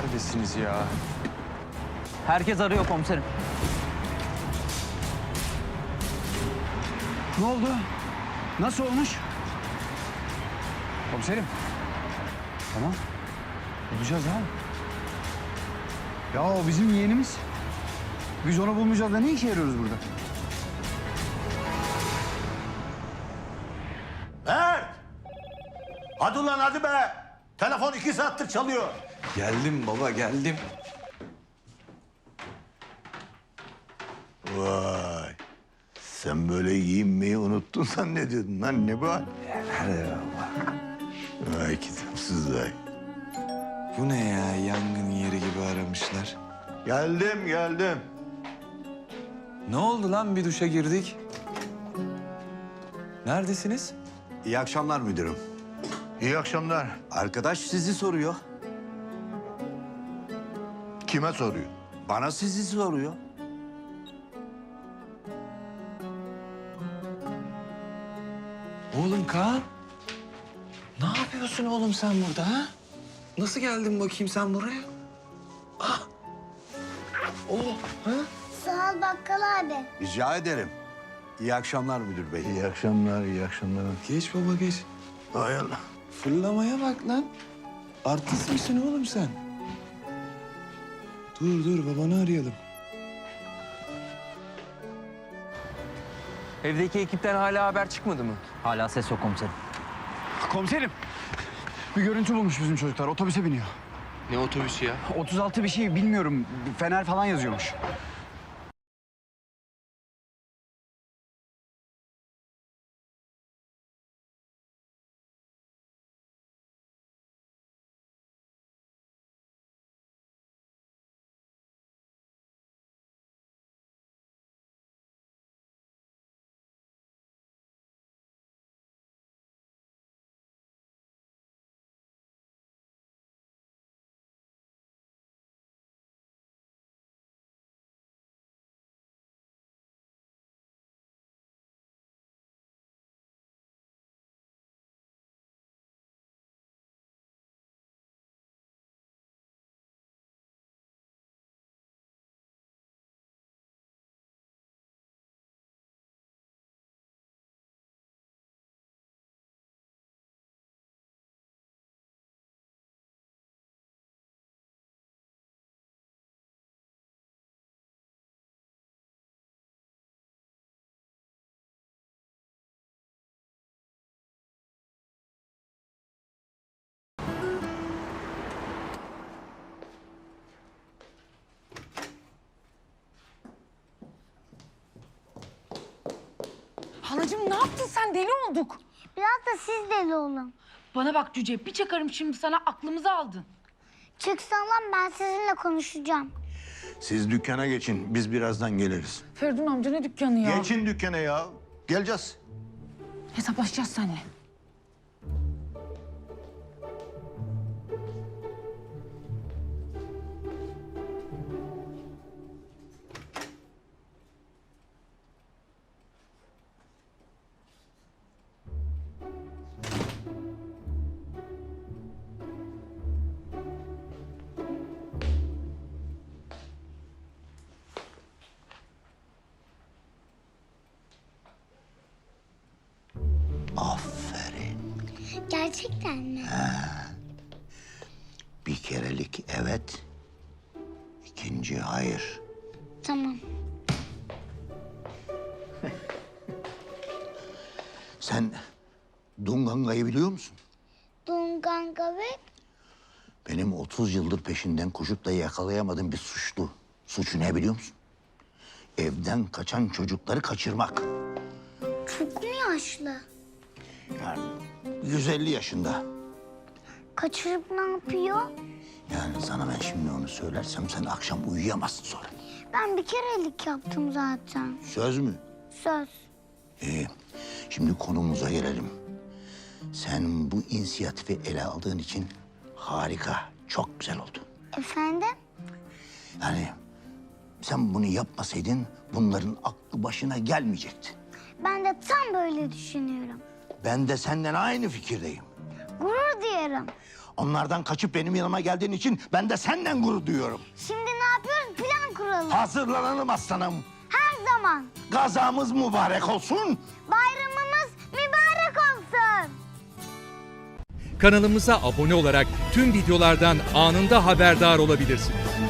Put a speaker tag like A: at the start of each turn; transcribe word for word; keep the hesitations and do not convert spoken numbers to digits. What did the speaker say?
A: Neredesiniz ya?
B: Herkes arıyor komiserim.
C: Ne oldu? Nasıl olmuş? Komiserim. Tamam. Bulacağız ha. Ya o bizim yeğenimiz. Biz onu bulmayacağız da ne işe yarıyoruz burada?
D: Mert! Hadi ulan hadi be! Telefon iki saattir çalıyor.
A: Geldim baba, geldim.
D: Vay! Sen böyle giyinmeyi unuttun zannediyordun lan ne bu hal? Vay kitapsız vay.
A: Bu ne ya? Yangın yeri gibi aramışlar.
D: Geldim geldim.
A: Ne oldu lan? Bir duşa girdik. Neredesiniz?
E: İyi akşamlar müdürüm.
D: İyi akşamlar.
E: Arkadaş sizi soruyor.
D: Kime soruyor?
E: Bana sizi soruyor.
A: Oğlum Kaan. Ne yapıyorsun oğlum sen burada ha? Nasıl geldin bakayım sen buraya? Ah. Oh, ha?
F: Sağ ol bakkal abi.
E: Rica ederim. İyi akşamlar müdür bey.
D: İyi akşamlar, iyi akşamlar.
A: Geç baba geç.
D: Hay Allah.
A: Fırlamaya bak lan. Artist misin oğlum sen? Dur dur babanı arayalım.
G: Evdeki ekipten hala haber çıkmadı mı?
B: Hala ses yok komiserim.
C: Komiserim. Bir görüntü bulmuş bizim çocuklar. Otobüse biniyor.
G: Ne otobüsü ya?
C: otuz altı bir şey bilmiyorum. Fener falan yazıyormuş.
H: Halacığım ne yaptın sen? Deli olduk.
F: Biraz da siz deli olun.
H: Bana bak Cüce, bir çakarım şimdi sana, aklımızı aldın.
F: Çıksan lan ben sizinle konuşacağım.
D: Siz dükkana geçin, biz birazdan geliriz.
H: Feridun amca ne dükkanı ya?
D: Geçin dükkana ya. Geleceğiz.
H: Hesaplaşacağız seninle.
D: Aferin.
F: Gerçekten mi?
D: Bir kerelik evet, ikinci hayır.
F: Tamam.
D: Sen Dunganga'yı biliyor musun?
F: Dunganga ve
D: Benim otuz yıldır peşinden koşup da yakalayamadığım bir suçlu. Suçu ne biliyor musun? Evden kaçan çocukları kaçırmak.
F: çok mu yaşlı?
D: Yani yüz elli yaşında.
F: Kaçırıp ne yapıyor?
D: Yani sana ben şimdi onu söylersem sen akşam uyuyamazsın sonra.
F: Ben bir kerelik yaptım zaten.
D: Söz mü?
F: Söz.
D: İyi. Şimdi konumuza gelelim. Sen bu inisiyatifi ele aldığın için harika, çok güzel oldu.
F: Efendim?
D: Yani sen bunu yapmasaydın bunların aklı başına gelmeyecekti.
F: Ben de tam böyle düşünüyorum.
D: Ben de senden aynı fikirdeyim.
F: Gurur duyuyorum. duyarım.
D: Onlardan kaçıp benim yanıma geldiğin için ben de senden gurur duyuyorum.
F: Şimdi ne yapıyoruz? Plan kuralım.
D: Hazırlanalım aslanım.
F: Her zaman.
D: Gazamız mübarek olsun.
F: Bayramımız mübarek olsun.
I: Kanalımıza abone olarak tüm videolardan anında haberdar olabilirsiniz.